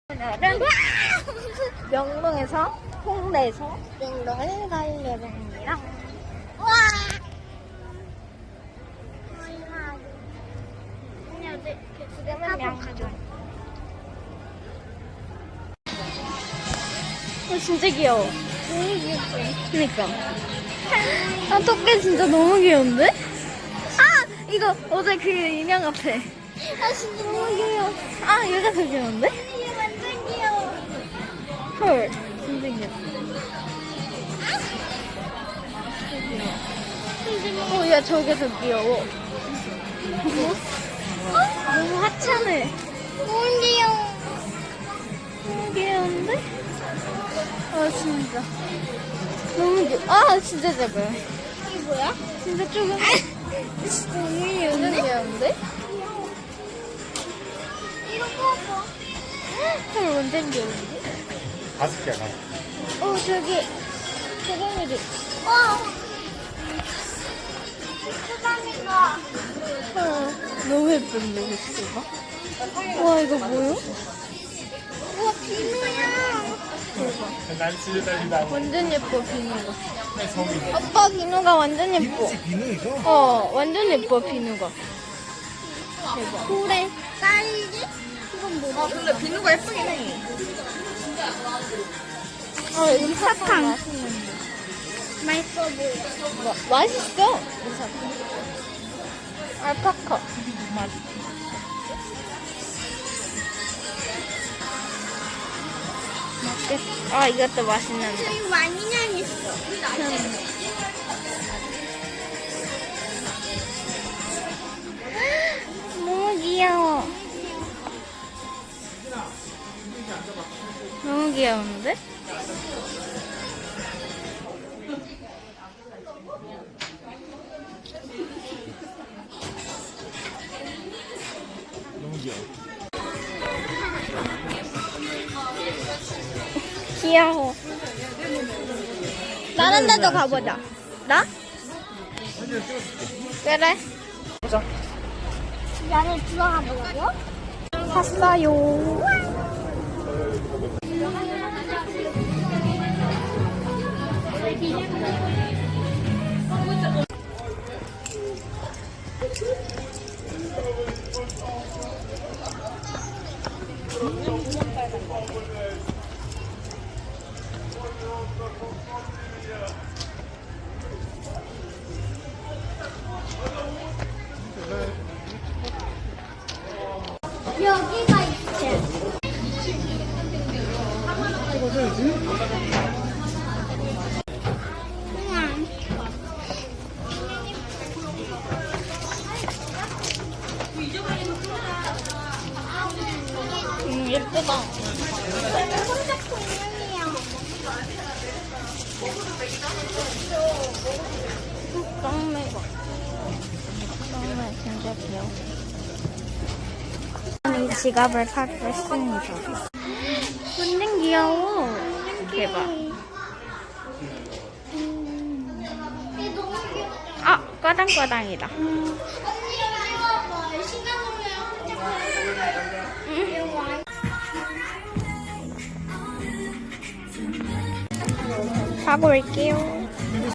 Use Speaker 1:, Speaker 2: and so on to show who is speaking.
Speaker 1: 오늘은 명동에서 홍대에서 명동을 갈 예정입니다. 와! 지금은 명동. 진짜 귀여워. 너무 귀엽지? 그니까. 아, 토끼 진짜 너무 귀여운데? 아! 이거 어제 그 인형 앞에. 아, 진짜 너무 귀여워. 아, 얘가 더 귀여운데? 얘 완전 귀여워. 헐, 진짜 귀여워. 야, 저게 더 귀여워. 너무 하찮네. 너무 귀여워. 너무 귀여운데? 아, 진짜. 너무 귀여워. 아, 진짜 작아요. 이게 뭐야? 진짜 조금. 진짜 너무 귀여운데? 이거 봐봐. 헐, 완전 귀여운데?
Speaker 2: 5개야, 5개.
Speaker 1: 저기. 대장이지. 와. 수담이가. 너무 예쁜데, 글씨가? 와, 이거 뭐야? 우와, 비누야. 대박. 완전 예뻐, 비누가. 아빠, 비누가 완전 예뻐.
Speaker 2: 비누이죠?
Speaker 1: 완전 예뻐, 비누가. 대박. 그래. 딸기? 이건 뭐야?
Speaker 3: 근데 비누가 예쁘긴 해.
Speaker 1: 이거 사탕. 맛있어 보여. 맛있어. 알파카. 맛있겠어. 아, 이것도 맛있는데.
Speaker 3: 이거 많이 향했어.
Speaker 1: 너무 귀여워. 너무 귀여운데?
Speaker 2: 너무 귀여워.
Speaker 1: 귀여워. 다른 데도 가보자. 나? 그래. 보자.
Speaker 3: 이 안에 들어가 보려고?
Speaker 1: 샀어요.
Speaker 3: 여기가 있지.
Speaker 1: 예쁘다. 짱매가. 짱매 진짜 귀여워. 이 지갑을 사기로 했습니다. 완전 귀여워. 대박. 아, 까당까당이다. 사고 올게요.